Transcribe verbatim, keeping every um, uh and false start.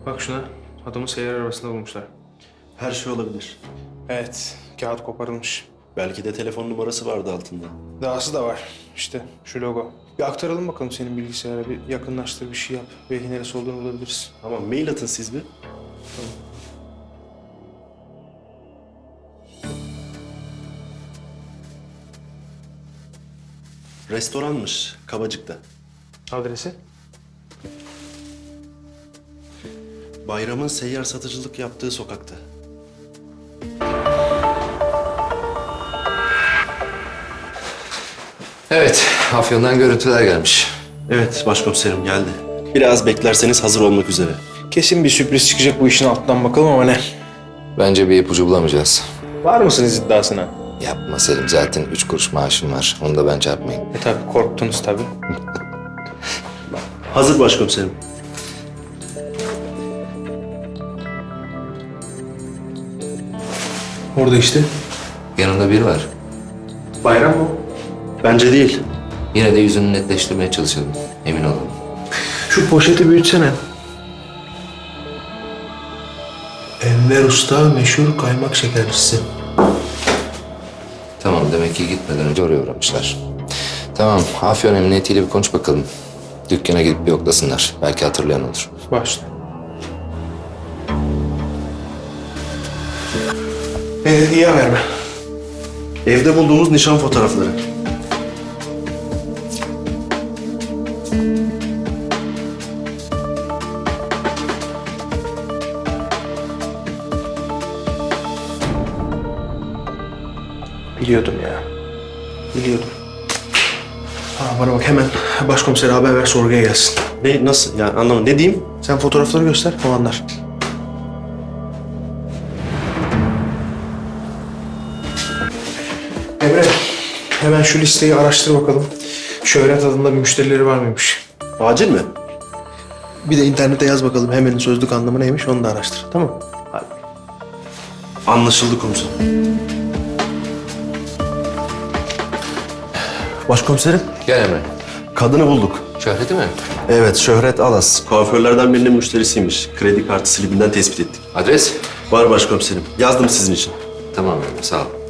Bak şuna. Adamı seyyar arabasında bulmuşlar. Her şey olabilir. Evet. Kağıt koparılmış. Belki de telefon numarası vardı altında. Dahası da var. İşte şu logo. Bir aktaralım bakalım senin bilgisayara. Bir yakınlaştır, bir şey yap. Belki neresi olduğunu bulabiliriz. Tamam, mail atın siz bir. Restoranmış, Kabacık'ta. Adresi? Bayram'ın seyyar satıcılık yaptığı sokakta. Evet, Afyon'dan görüntüler gelmiş. Evet, başkomiserim geldi. Biraz beklerseniz hazır olmak üzere. Kesin bir sürpriz çıkacak bu işin altından bakalım ama ne? Bence bir ipucu bulamayacağız. Var mısınız iddiasına? Yapma Selim, zaten üç kuruş maaşım var. Onu da ben çarpmayayım. E tabii korktunuz tabii. Hazır başkomiserim. Orada işte. Yanında biri var. Bayram mı? Bence değil. Yine de yüzünü netleştirmeye çalışalım. Emin olalım. Şu poşeti büyütsene. Enver Usta meşhur kaymak şekercisi. Tamam, demek ki gitmeden önce oraya uğramışlar. Tamam, Afyon Emniyeti'yle bir konuş bakalım. Dükkana gidip bir yoklasınlar. Belki hatırlayan olur. Başla. Ee, iyi haber mi? Evde bulduğumuz nişan fotoğrafları. Biliyordum ya. Biliyordum. Ha, bana bak hemen başkomisere haber ver sorguya gelsin. Ne, nasıl? Yani anlamadım. Ne diyeyim? Sen fotoğrafları göster, o anlar. Emre, hemen şu listeyi araştır bakalım. Şöhret adında bir müşterileri var mıymış? Acil mi? Bir de internete yaz bakalım hemen sözlük anlamı neymiş onu da araştır. Tamam mı? Hadi. Anlaşıldı komiserim. Başkomiserim, Gel Emre. kadını bulduk. Şöhreti mi? Evet, Şöhret Alas. Kuaförlerden birinin müşterisiymiş. Kredi kartı slibinden tespit ettik. Adres? Var başkomiserim. Yazdım sizin için. Tamam Emre, sağ ol.